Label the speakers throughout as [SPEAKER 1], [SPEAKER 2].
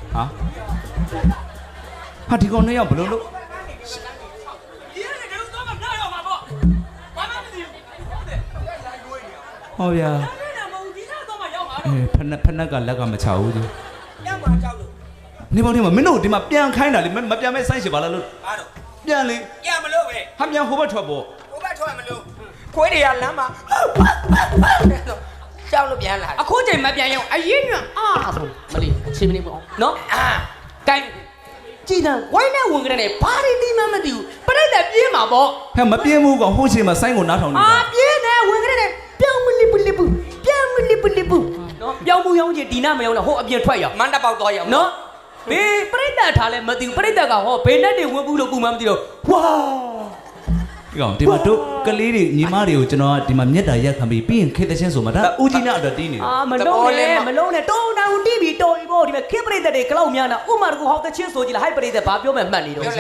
[SPEAKER 1] ဟာဒီကောင်နှစ်ယောက်ဘယ်လိုလုပ်ဟောဗျာဖနက်ကလက်ကမချဘူးသူပြန်မှာကြောက်လို့နေပေါင်းနေမှာမင်းတို့ဒီမှာပြန်ခိုင်းတာလေမပြန်မဲ့ဆိုင်းရှင်ပါလားလို့ပြန်လေပြန်မလို့ပဲဟာပြန်ဟိုဘက်ထွက်ပေါ့ဟိုဘက်ထွက်မလို့ခွေးတွေကလမ်းမှာကြောက်လို့ပြန်လာအခုချိန်မပြန်ရောက်အရင်ကဆိုမလေးအချိန်မနေပေါ့နော်ကိုင်းကြည်တန်ဝိုင်းနဲ့ဝင်ကြတယ်ဘာတွေသိမှမသိဘူးပြိတ္တပြေးမှာပေါ့ဟဲ့မပြေးဘူးကောင်ဟိုချိန်မှာဆိုင်းကိုနားထောင်နေတာပြေးတယ်ဝင်ကြတယ်ပြောင်းမလီပလီပူပြောင်းမလီပလီပူနော်ပြောင်းမှုရောင်းချင်ဒီနာမရောင်းတော့ဟိုအပြင်ထွက်ရောက်မန်းတပေါက်တော့ရောက်နော်ဘေးပြိတ္တထားလဲမသိဘူးပြိတ္တကဟောဘေးနဲ့တွေဝင်ဘူးလို့ကူမှမသိတော့ဝါဒီကောင်ဒီမှာတို့ကလေးတွေညီမတွေကိုကျွန်တော်ကဒီမှာမြက်တာရက်ခံပြီးပြီးရင်ခေတ္တချင်းဆိုမှဒါဦးကြီးနဲ့အတွက်တီးနေတယ်မလုံးနဲ့တုံးတောင်တီးပြီးတော်ပြီပေါ့ဒီမှာခေပရိသတ်တွေကလောက်များတာဥမာတကူဟောက်တချင်းဆိုကြည့်လိုက်ဟိုက်ပရိသတ်ဘာပြောမှမှတ်နေတော့ပန်း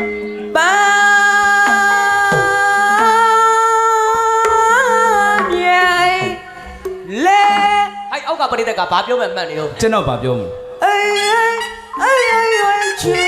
[SPEAKER 1] မြိုင်လေဟိုက်အောက်ကပရိသတ်ကဘာပြောမှမှတ်နေတော့ကျွန်တော်ဘာပြောမလဲချီ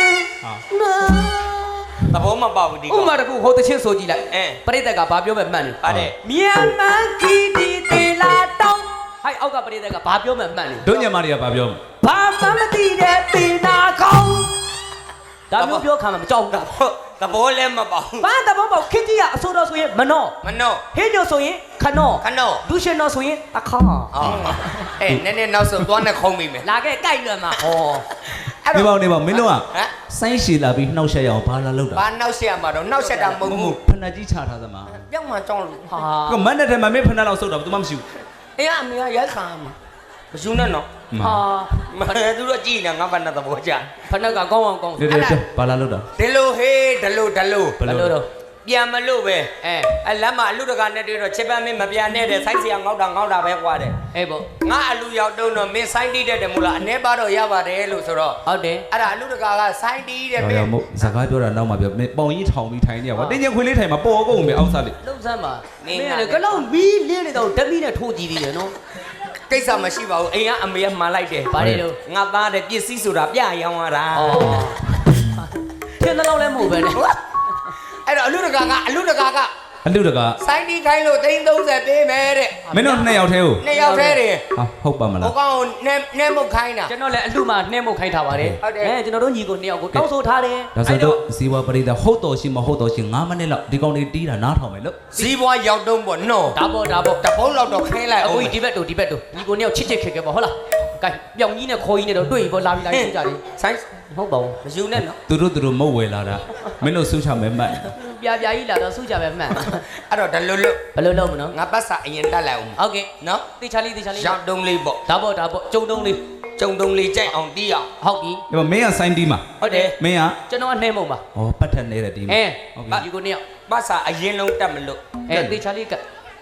[SPEAKER 1] သဘောမပေါက်ဘူးဒီကောင်ဥမာတကူဟိုတချင်းဆိုကြည့်လိုက်ပရိသတ်ကဘာပြောမှမှတ်နေပါတယ်မြန်မာကီတီတေလာတောင်းဟိုက်အောက်ကပရိသတ်ကဘာပြောမှမှတ်နေတို့ညမတွေကဘာပြောဘာမှမသိတဲ့ပင်နာကောင်းဒါမျိုးပြောခံမှာမကြောက်ဘူးသဘောလည်းမပေါက်ဘာသဘောပေါက်ခင်းကြီးကအဆိုတော်ဆိုရင်မနောဟင်းညိုဆိုရင်ခနောဒူရှင်တော်ဆိုရင်အခါနည်းနည်းနောက်ဆုံးသွားနဲ့ခုံးမိမယ်လာခဲ့ကြိုက်လွယ်မှာဟောနေပါမင်းတို့ကဆိုင်းရှည်လာပြီးနှောက်ရှက်ရအောင်ဘာလာလောက်တာဘာနှောက်ရှက်ရမှာတော့နှောက်ရှက်တာမဟုတ်ဘူးဖဏကြီးချထားသမားပြောင်းမှကြောင်းလို့ဟာကမန်းတဲ့ထဲမှာမင်းဖဏလောက်ဆုတ်တာဘာမှမရှိဘူးအေးအမေကရိုက်ခါမှာမယူနဲ့နော်ဟာမသူတို့ကြည့်နေငါဖဏသဘောကျဖဏကကောင်းအောင်ကောင်းဘာလာလောက်တာဒီလိုဟေးဒီလိုဘယ်လိုတော့ပြန်မလို့ပဲအဲလမ်းမှာအလူတကာနဲ့တွေ့တော့ချစ်ပန်းမင်းမပြန်နဲ့တဲ့ဆိုင်းစီကငေါက်တာပဲကွာတဲ့အေးပေါ့ငါအလူရောက်တုံးတော့မင်းဆိုင်းတီးတဲ့တယ်မို့လားအနေပါတော့ရပါတယ်လို့ဆိုတော့ဟုတ်တယ်အဲ့ဒါအလူတကာကဆိုင်းတီးတဲ့မင်းစကားပြောတာနောက်မှပြောမင်းပေါင်ကြီးထောင်ပြီးထိုင်နေရကွာတင်းချင်းခွေးလေးထိုင်မှာပေါ်ကုန်မယ်အောက်စားလေးလှုပ်ဆန်းပါမင်းကကလောက်မီးလင်းနေတော့ဓမီနဲ့ထိုးကြည့်သေးတယ်နော်ကိစ္စမရှိပါဘူးအိမ်ကအမေကမှန်လိုက်တယ်ဗါတယ်လို့ငါသားတဲ့ပစ္စည်းဆိုတာပြရောင်းရတာထင်းတော့လည်းမဟုတ်ပဲနဲ့အဲ့တော့အလူတကာဆိုင်းတီးခိုင်းလို့330ပေးမယ်တဲ့မင်းတို့2ယောက်တည်းကို2ယောက်တည်းတယ်ဟုတ်ပါမလားဟိုကောင်နဲ့မုတ်ခိုင်းတာကျွန်တော်လည်းအလူမှာနဲ့မုတ်ခိုင်းထားပါတယ်ကျွန်တော်တို့ညီကို2ယောက်ကိုတောင်းဆိုထားတယ်ဒါဆိုတော့ဇီဝပရိသတ်ဟုတ်တော်ရှိမဟုတ်တော်ရှိ9မိနစ်လောက်ဒီကောင်လေးတီးတာနားထောင်မယ်လို့ဇီဝရောက်တုံးပေါ့နော်ဒါပေါ့တပုံးလောက်တော့ခိုင်းလိုက်အခုဒီဘက်တို့ညီကို2ယောက်ချစ်ခဲ့ပေါ့ဟုတ်လားကဲပြောင်ကြီးနဲ့ခေါ်ကြီးနဲ့တော့တွေ့ပြီပေါ့လာပြီလိုက်ကြတယ်ဆိုင်းဟုတ်ပါဘူးမယူနဲ့နော်သူတို့မုတ်ဝယ်လာတာမင်းတို့ဆူချမယ်မှတ်ပြကြီးလာတော့ဆူချမယ်မှတ်အဲ့တော့ဘယ်လိုလုပ်မနော်ငါပတ်စာအရင်တက်လိုက်အောင်ဟုတ်ကဲ့နော်တေချာလေးရောက်တုံးလေးပေါ့ဒါပေါ့ကျုံတုံးလေးကြိုက်အောင်တီးအောင်ဟုတ်ပြီဒီမင်းကဆိုင်းတီးမှာဟုတ်တယ်မင်းကကျွန်တော်ကနှဲမုံပါဩပတ်ထက်နေတဲ့တီးမှာဟုတ်ပြီဒီကိုနှစ်ယောက်ပတ်စာအရင်လုံးတက်မလို့တေချာလေးက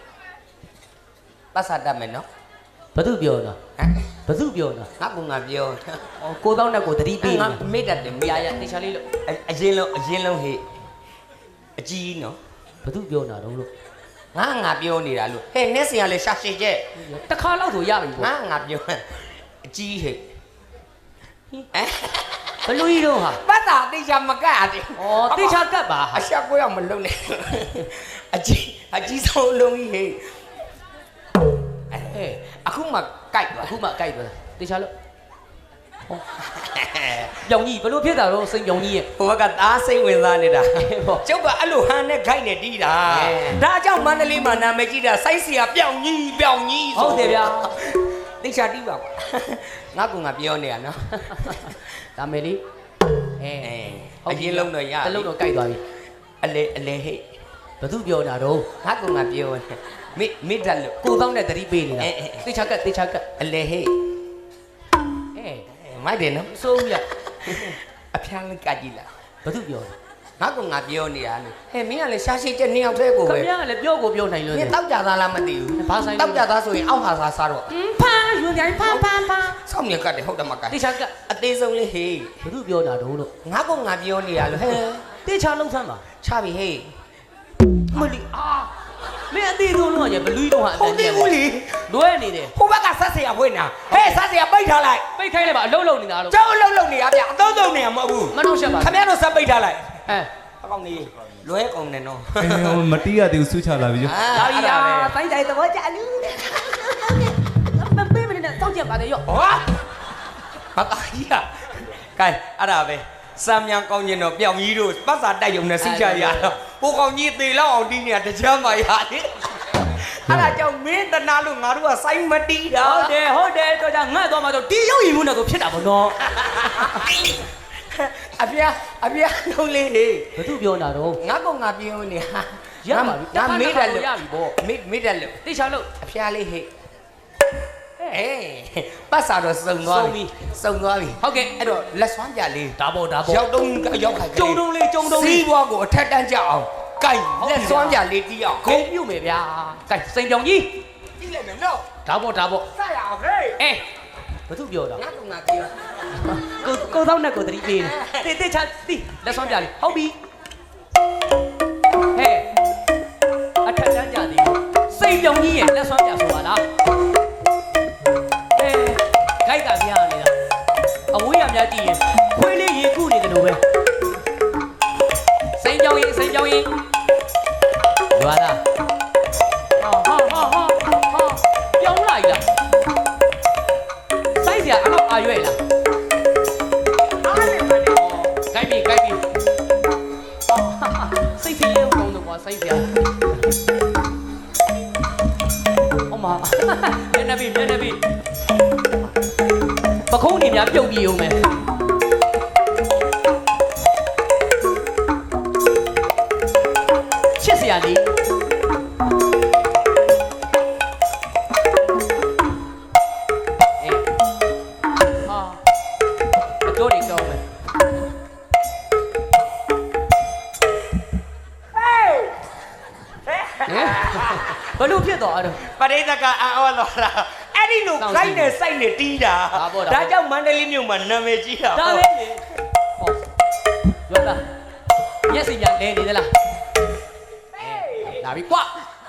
[SPEAKER 1] ပတ်စာတက်မယ်နော်ဘာသူပြောနော်ဘာသူပြောနော်ငါကပြောကိုသောင်းနဲ့ကိုတတိပေးငါမေ့တတ်တယ်မြာရတေချာလေးလို့အရင်လုံးဟေ့အကြီးနော်ဘာသူပြောနာတော့လို့ငါပြောနေတာလို့ဟဲ့နက်စင်ကလည်းရှာရှည်ကျက်တစ်ခါလောက်ဆိုရပြီပေါ့ငါပြောအကြီးဟဲ့ဘလူကြီးတော့ဟာပတ်တာတေချာမကတ်ရတယ်ဩတေချာကတ်ပါအရှာကိုရောက်မလုံးနဲ့အကြီးဆုံးလုံးကြီးဟဲ့အခုမှကြိုက်သွားတေချာလို့ပြောင်ကြီးဘလို့ဖြစ်တာတော့စိန်ပြောင်ကြီးရဲ့ဟိုကသားစိတ်ဝင်စားနေတာကျုပ်ကအဲ့လိုဟန်နဲ့ခိုက်နဲ့တီးတာဒါကြောင့်မန္တလေးမှာနာမည်ကြီးတာစိုက်စီကပြောင်ကြီးဆိုဟုတ်တယ်ဗျာတေချာတီးပါကွာငါပြောနေရနော်ဒါမယ်လေးအရင်လုံးတော့ရတလုံးတော့ကြိုက်သွားပြီအလဲဟဲ့ဘသူပြောတာတော့ငါပြောမိတတ်လို့ကိုသောင်းနဲ့တတိပေးနေတာတေချာကတ်အလဲဟဲ့မိုက်တယ်နော်စိုးဦးရအဖျားလေးကကြည့်လားဘာသူပြောလဲငါပြောနေတာလေဟဲ့မင်းကလည်းရှားရှိတဲ့2ယောက်တည်းကိုပဲခင်ဗျားကလည်းပြောနိုင်လို့မင်းတောက်ကြသားလားမသိဘူးဘာဆိုင်တောက်ကြသားဆိုရင်အောက်ဟာစားတော့ဖာယူကြိုင်ဖာစောင့်မြကတ်တယ်ဟုတ်တယ်မကတ်တေချာကအသေးဆုံးလေးဟေးဘာသူပြောတာတော့လို့ငါပြောနေတာလို့ဟဲ့တေချာလုံးဆန်းပါချပြီဟေးမလီမင်းအသေးဆုံးလုံးကဘလူးတော့ဟာအတန်ကြီးလွဲနေတယ်
[SPEAKER 2] ဟိုဘက်ကဆက်เสียဖွင့်တာဟဲ့ဆက်เสียပိတ်ထားလိုက်
[SPEAKER 1] ပိတ်ခိုင်းလိုက်ပါအလုံးလုံးနေတာလို့
[SPEAKER 2] ကျောင်းအလုံးလုံးနေရဗျအသုံးသုံးနေရမဟုတ်ဘူး
[SPEAKER 1] မနှောက်ရှက်ပါ
[SPEAKER 2] ခင်ဗျားတို့ဆက်ပိတ်ထားလိုက်
[SPEAKER 1] အဲ
[SPEAKER 2] အကောင်နေလွဲကုန်တယ်နော်
[SPEAKER 3] မတီးရသေးဘူးဆူချလာပြီကျ
[SPEAKER 1] ဒါရီယာတိုင်းတိုင်းသဘောကျလူမပေးမနေနဲ့စောင့်ကြပါလေရော့
[SPEAKER 2] ဟောဘာကကြီးอ่ะကဲအဲ့ဒါပဲစမ်းမြန်ကောင်းကျင်တော့ပြောင်ကြီးတို့ပတ်စာတိုက်ရုံနဲ့စိတ်ချရတော့ဟိုကောင်ကြီးသေလောက်အောင်တီးနေတာတကြမ်းမရလေအဲ့ဒါကြောင့်မင်းတနာလို့ငါတို့ကစိုင်းမတီးတာ
[SPEAKER 1] ဟုတ်တယ်တော့じゃငတ်သွားမှတော့ဒီရုပ်ရည်မှုနဲ့ဆိုဖြစ်တာပေါ့နော်
[SPEAKER 2] အပြာလုံးလေးဟေး
[SPEAKER 1] ဘသူပြောတာတော့
[SPEAKER 2] ငါကောင်ငါပြောနေဟာ
[SPEAKER 1] ရပါပြီ
[SPEAKER 2] ငါမေးတယ်လို့
[SPEAKER 1] ရပြီပေါ့
[SPEAKER 2] မေးတယ်လို့
[SPEAKER 1] တိချာလို့
[SPEAKER 2] အဖျားလေးဟဲ့အေးပတ်စာတော့စုံသွားပြီဟုတ်ကဲ့အဲ့တော့လက်စွမ်းပြလေး
[SPEAKER 1] ဒါပေါ့
[SPEAKER 2] ရောက်တုံးရောက်ခိုင်
[SPEAKER 1] ကြုံတုံးလေး
[SPEAKER 2] စီးပွားကိုအထက်တန်းကြအောင်ကြိုက်လက်စွမ်းပြလေးတီးအောင်
[SPEAKER 1] ဂုံပြုတ်မယ်ဗျာကဲစိန်ပြောင်ကြီး
[SPEAKER 2] တီးလိုက်မယ်နော်
[SPEAKER 1] ဒါပေါ့
[SPEAKER 2] စရအောင်ဟဲ့
[SPEAKER 1] အဲဘသူပြောတာ
[SPEAKER 2] ငါကောင်ငါပြော
[SPEAKER 1] ကိုသောက်နဲ့ကိုတတိပေးနေတေချာတိလက်စွမ်းပြလေးဟုတ်ပြီဟဲ့အထက်တန်းကြသည်စိန်ပြောင်ကြီးရဲ့လက်စွမ်းပြဆိုပါလားခိုက်ကပြရနေတာအဝေးရများကြည့်ရင်ခွေးလေးရေခုနေတယ်လို့ပဲစိန်ကြောင်ရင်လွာလားဟာပြောင်းလိုက်လားစိုက်စရာအဲ့တော့အာရွဲ့လားအားနေပါနဲ့ကိုက်ပြီစိတ်စီလေးကောင်းတော့ကွာစိုက်စရာအမမျက်နှာပြီပခုံးနေများပြုတ်ပြေအောင်မယ်ချစ်စရာလေးအတိုးတွေကောင်းမယ်ဘလို့ဖြစ်သွားတော့
[SPEAKER 2] ပရိသတ်ကအော်တော့လားအဲ့ဒီလိုခိုင်းနေစိုက်နေတီးတာဒါကြောင့်မန္တလေးမြို့မှာနာမည်ကြီးတာ
[SPEAKER 1] ဒါပဲလေဟောရောတာမျက်စိညာလဲနေသလားလာပြီကွာ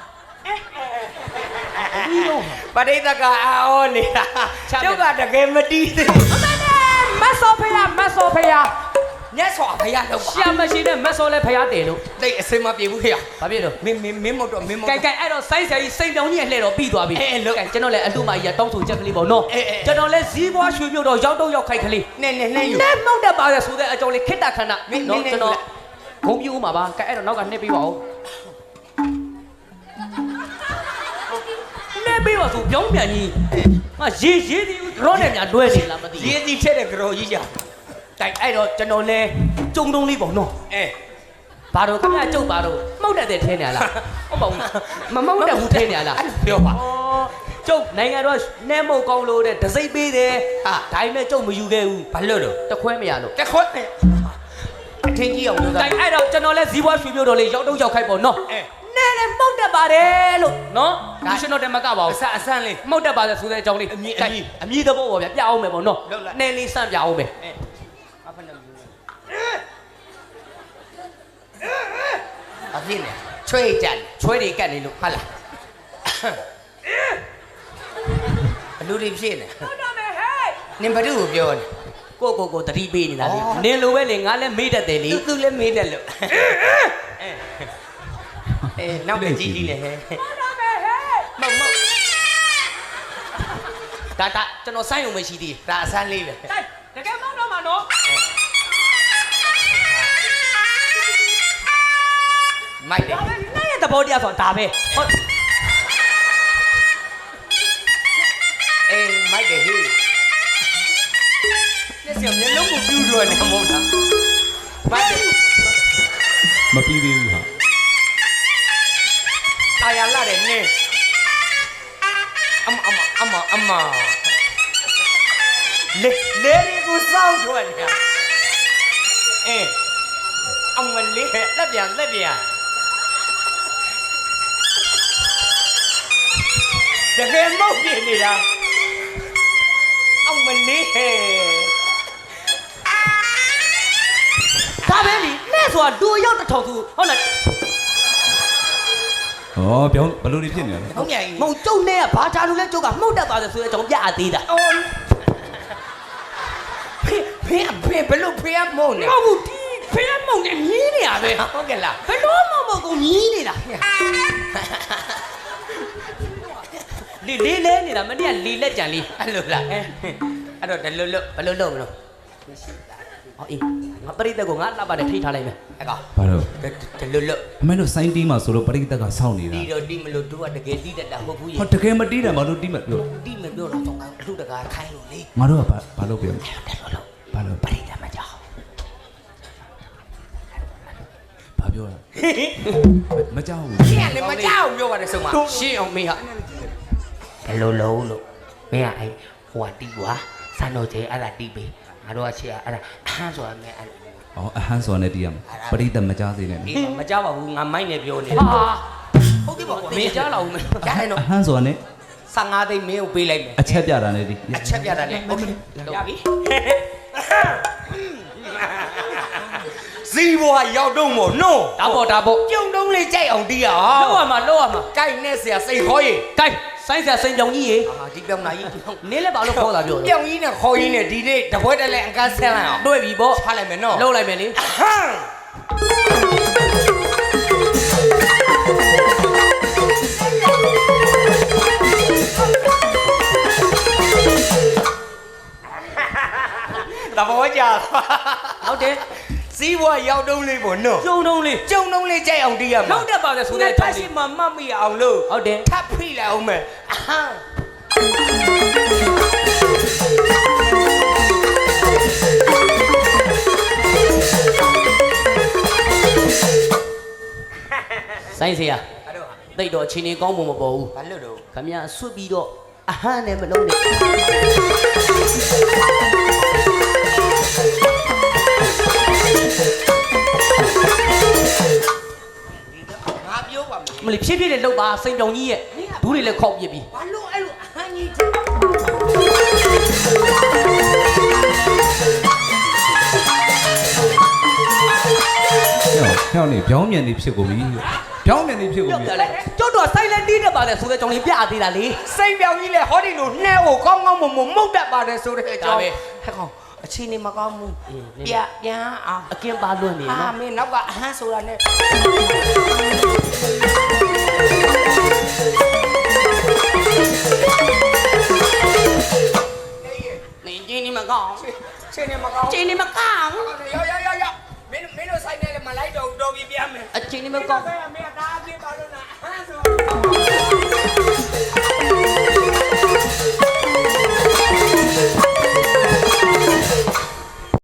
[SPEAKER 1] ဒီတော့
[SPEAKER 2] ပရိသတ်ကအော်နေတာကျုပ်ကတကယ်မတီးသေး
[SPEAKER 1] မဆောဖေးရ
[SPEAKER 2] ညက်စွာဖရတော့ပါ
[SPEAKER 1] ရှာမရှိတဲ့မဆောလဲဖျားတယ်လို့
[SPEAKER 2] တိတ်အစင်မပြေဘူးခေရ
[SPEAKER 1] ဘာဖြစ်လို့
[SPEAKER 2] မင်းမတော့မင်းမ
[SPEAKER 1] ကဲအဲ့တော့စိုင်းဆရာကြီးစိန်တောင်ကြီးရဲ့လှဲ့တော့ပြီးသွားပြီကဲကျွန်တော်လည်းအလှမကြီးကတောင်းဆိုချက်ကလေးပေါ့နော်ကျွန်တော်လည်းဇီးပွားရွှေမြုပ်တော့ရောက်တော့ရောက်ခိုက်ကလေး
[SPEAKER 2] နဲ့ယူ
[SPEAKER 1] နဲ့မောက်တတ်ပါရဆိုတဲ့အကြောင်းလေးခိတ္တခဏနော်ကျွန်တော်ဂုံပြူမှာပါကဲအဲ့တော့နောက်ကနှိပ်ပေးပါဦးနှိပ်ပေးပါဆိုပြောင်းပြန်ကြီးငါရေးသည်ရောနဲ့များလွဲနေလားမသိ
[SPEAKER 2] ရေးသည်ထက်တဲ့ကြော်ကြီးကြ
[SPEAKER 1] တိုက်အဲ့တော့ကျွန်တော်လဲကြုံတုံးလေးပေါ့နော်ဘာတော့ခင်ဗျာကျုပ်ဘာတော့မှုတ်တတ်တဲ့ထဲနေရလားဟုတ်ပါဘူးမမှုတ်တတ်ဘူးထဲနေရလား
[SPEAKER 2] ပြောပါ
[SPEAKER 1] ကျုပ်နိုင်ငံတော်နဲမုတ်ကောင်းလို့တဲ့ဒစိမ့်ပေးတယ်ဟာဒါပေမဲ့ကျုပ်မယူခဲ့ဘူး
[SPEAKER 2] ဘာလို့တော့
[SPEAKER 1] တခွဲမရလို့
[SPEAKER 2] တက်ခွတ်အထင်ကြီးအောင်လို့
[SPEAKER 1] တိုက်အဲ့တော့ကျွန်တော်လဲဇီးပွားရွှေပြိုးတော်လေးရောက်တော့ရောက်ခိုက်ပေါ့နော်နဲနဲ့မှုတ်တတ်ပါတယ်လို့နော်လူရှင်တော်တမကပါဘူး
[SPEAKER 2] အဆန်းလေး
[SPEAKER 1] မှုတ်တတ်ပါတယ်ဆိုတဲ့အကြောင်းလေးအမြည်သဘောပေါ့ဗျာပြအောင်မယ်ပေါ့နော်နဲလေးစမ်းပြအောင်မယ်
[SPEAKER 2] အဖြစ်နေချွေးကြတယ်
[SPEAKER 1] ချွဲတွေကတ်နေလို့ဟုတ်လား
[SPEAKER 2] ဘလူတွေဖြစ်နေ
[SPEAKER 1] ဟုတ်တော့မယ်ဟဲ့
[SPEAKER 2] နင်ဘလူကိုပြောနေ
[SPEAKER 1] ကိုတတိပေးနေတာလေနင်လိုပဲလေငါလည်းမေးတတ်တယ်လေ
[SPEAKER 2] သူလည်းမေးတယ်လို့နောက်ပဲကြီးကြီးလေဟဲ့
[SPEAKER 1] ဟုတ်တော့မယ်ဟဲ့
[SPEAKER 2] မုတ်
[SPEAKER 1] ဒါကျွန်တော်စိုင်းုံမရှိသေး
[SPEAKER 2] ဒါအဆန်းလေးပဲ
[SPEAKER 1] တကယ်မောင်းတော့မှာနော်
[SPEAKER 2] မိုက်တယ်
[SPEAKER 1] ဒါပဲနိုင်ရဲ့သဘောတရားဆိုတာဒါပဲဟုတ်
[SPEAKER 2] မိုက်တယ်ဟေးလက်စမျက်လုံးကိုပြူးလို့နေမဟုတ်လားမိုက်တယ်
[SPEAKER 3] မပြီးသေးဘူးဟာ
[SPEAKER 2] တာယာလာတယ်နင်းအမလေကိုစောင်းထွက်နေတာအမလေးလက်ပြန်တကယ်မဟုတ်ပြနေတာအမလေး
[SPEAKER 1] ဒါပဲလीနဲ့ဆိုတာလူရောက်တစ်ထောင်သူဟုတ်လား
[SPEAKER 3] ဩပြောင်းဘယ်လိုတွေဖြစ်နေလဲ
[SPEAKER 2] ဟုတ်မြန်ကြီး
[SPEAKER 1] မဟုတ်ကျုပ်နဲ့ကဘာသာလို့လဲကျုပ်ကမှုတ်တတ်ပါတယ်ဆိုတဲ့အကြောင်းပြအသေးတာ
[SPEAKER 2] အော်ဖေဘလို့ဖေမုံနေ
[SPEAKER 1] ဟုတ်ဘူးဒီဖေးမုံနဲ့မြင်းနေရပဲ
[SPEAKER 2] ဟုတ်ကဲ့လား
[SPEAKER 1] ဘယ်လို့မကုန်မြင်းနေတာလေလဲနေတာမနေ့ကလေလက်ကြံလေး
[SPEAKER 2] အဲ့လိုလားအဲ့တော့ဒလွတ်လွတ်
[SPEAKER 1] ဘယ်လိုလုပ်မလို့ဟောအေးငါပရိသတ်ကိုငါလှပနဲ့ထိထားလိုက်မယ်
[SPEAKER 2] အဲ့ကောင်
[SPEAKER 3] ဘာလို့
[SPEAKER 2] ဒလွတ်လွတ်
[SPEAKER 3] အမေတို့စိုင်းတီးမှာဆိုလို့ပရိသတ်ကစောင့်နေတာ
[SPEAKER 2] တီတော့တီမလို့တို့ကတကယ်တီးတတ်တာဟုတ်ဘူးရေ
[SPEAKER 3] ဟောတကယ်မတီးတယ်မလို့တီးမှာပြော
[SPEAKER 2] တီမပြောတော့တော့အလှတကာခိုင်းလို့လေ
[SPEAKER 3] ငါတို့ကဘာလို့ပြော
[SPEAKER 2] အဲ့တော့လို့
[SPEAKER 3] ဘာလို့
[SPEAKER 2] ပရိသတ်မကြောက်
[SPEAKER 3] ဘာပြောလဲမကြောက်ဘူး
[SPEAKER 2] ရှင်းလည်းမကြောက်ပြောပါတယ်ဆုံးမ
[SPEAKER 1] ရှင်းအောင်မေးဟာ
[SPEAKER 2] ဘယ်လိုလုံးလို့မင်းကအဲ့ဟိုကတီးကွာစံတော်ကျဲအဲ့ဒါတီးပေးငါတို့ကရှေ့ကအဲ့ဒါအဟမ်းဆိုတာမဲအဲ့
[SPEAKER 3] ဩအဟမ်းစော်နဲ့တီးရမှာပရိသတ်မကြောက်စေနဲ့
[SPEAKER 2] ဒီမကြောက်ပါဘူးငါမိုက်နေပြောနေ
[SPEAKER 1] ဟာ
[SPEAKER 2] ဟုတ်ကဲ့ပါကွာ
[SPEAKER 1] မင်းကြားလာဦးမယ်
[SPEAKER 2] ကြားတယ်နော်
[SPEAKER 3] အဟမ်းစော်နဲ့
[SPEAKER 2] 15သိန်းမင်းကိုပေးလိုက်မယ်
[SPEAKER 3] အချက်ပြတာနဲ့တီး
[SPEAKER 2] အချက်ပြတာလေโอเคရပြီဇီဘွားရောက်တော့မို့နော်
[SPEAKER 1] ဒါပေါ့
[SPEAKER 2] ကျုံတုံးလေးကြိုက်အောင်တီးရအောင်
[SPEAKER 1] လောက်ရမှာ
[SPEAKER 2] ကြိုက်နဲ့ဆရာစိတ်ခေါ်ရေ
[SPEAKER 1] ကဲဆိုင်းဆရာစိန်ကြောင်ကြီးရေ
[SPEAKER 2] အာဒီပြောင်းလာကြီး
[SPEAKER 1] နင်းလည်းဘာလို့ခေါ်တာပြောလဲ
[SPEAKER 2] ပြောင်းကြီးနဲ့ခေါ်ကြီးနဲ့ဒီနေ့တပွဲတက်လဲအကန်းဆဲလိုက်အောင်
[SPEAKER 1] တွေ့ပြီပေါ့
[SPEAKER 2] ထားလိုက်မယ်နော်
[SPEAKER 1] လှုပ်လိုက်မယ်လေ
[SPEAKER 2] ဟမ်တဘောကြာ
[SPEAKER 1] ဟုတ်တယ်
[SPEAKER 2] စီးဘွားရောက်တုံးလေးပေါ့နော်
[SPEAKER 1] ကျုံတုံးလေး
[SPEAKER 2] ကျုံတုံးလေးကြိုက်အောင်တီးရမှာ
[SPEAKER 1] လောက်တက်ပါတယ်ဆို
[SPEAKER 2] ဆို
[SPEAKER 1] တဲ့
[SPEAKER 2] တဲ့
[SPEAKER 1] အကြော
[SPEAKER 2] ထ
[SPEAKER 1] င်း
[SPEAKER 2] ရှိ
[SPEAKER 1] လေး
[SPEAKER 2] မှမတ်မိအောင်လို့
[SPEAKER 1] ဟုတ်တယ်
[SPEAKER 2] ထပ်ဖိလိုက်အောင်မယ်အဟမ်း
[SPEAKER 1] ဆိုင်းဆရာ
[SPEAKER 2] အဲ့တော့
[SPEAKER 1] တိတ်တော့အချင်းကြီးကောင်းပုံမပေါ်ဘူး
[SPEAKER 2] ဘာလို့တော့
[SPEAKER 1] ခမရဆွတ်ပြီးတော့အဟမ်းနဲ့မလုံးနဲ့
[SPEAKER 2] ငါပြောပါမယ်
[SPEAKER 1] မလီဖြည်းဖြည်းလေးလှုပ်ပါစိန်ကြောင်ကြီးရဲ့ဘူးတွေလည်းခောက်ပြစ်ပြီး
[SPEAKER 2] ဘာလို့အဲ့လိုအဟမ်းကြီး
[SPEAKER 3] ဟဲ့နေပြောင်းမြန်နေဖြစ်ကုန်ပြီပြောင်းမြန်နေဖြစ်ကုန်
[SPEAKER 1] ပြော
[SPEAKER 3] ပြီ
[SPEAKER 1] ပြလိုက်ကျွတ်တော့ဆိုင်လက်တီးတက်ပါတယ်ဆိုတဲ့အကြောင်းလေးပြသေးတာလေ
[SPEAKER 2] စိတ်ပြောင်းကြီးလေဟောဒီလိုနှဲကိုကောင်းကောင်းမမမှုတ်တတ်ပါတယ်ဆိုတဲ့အကြောင်းဟဲ့ကောင်အချင်းနေမကောင်းဘူးပြန်အောင်
[SPEAKER 1] အကင်းပါလွန့်နေ
[SPEAKER 2] အာ
[SPEAKER 1] နော်
[SPEAKER 2] မင်းနောက်ကအဟမ်းဆိုတာနဲ့
[SPEAKER 1] နေကြီးနေမကောင်း
[SPEAKER 2] ချင်းနေမကောင်း
[SPEAKER 1] ချင်းနေမကောင်း
[SPEAKER 2] ရောက်မင်းတို့ဆိုင်နေလေမလိုက်တော့တော်ပြီပြန်မယ်
[SPEAKER 1] အချင်းနေမကောင်း
[SPEAKER 2] မင်းသားပြေးပါလို့လားအဟမ်းဆို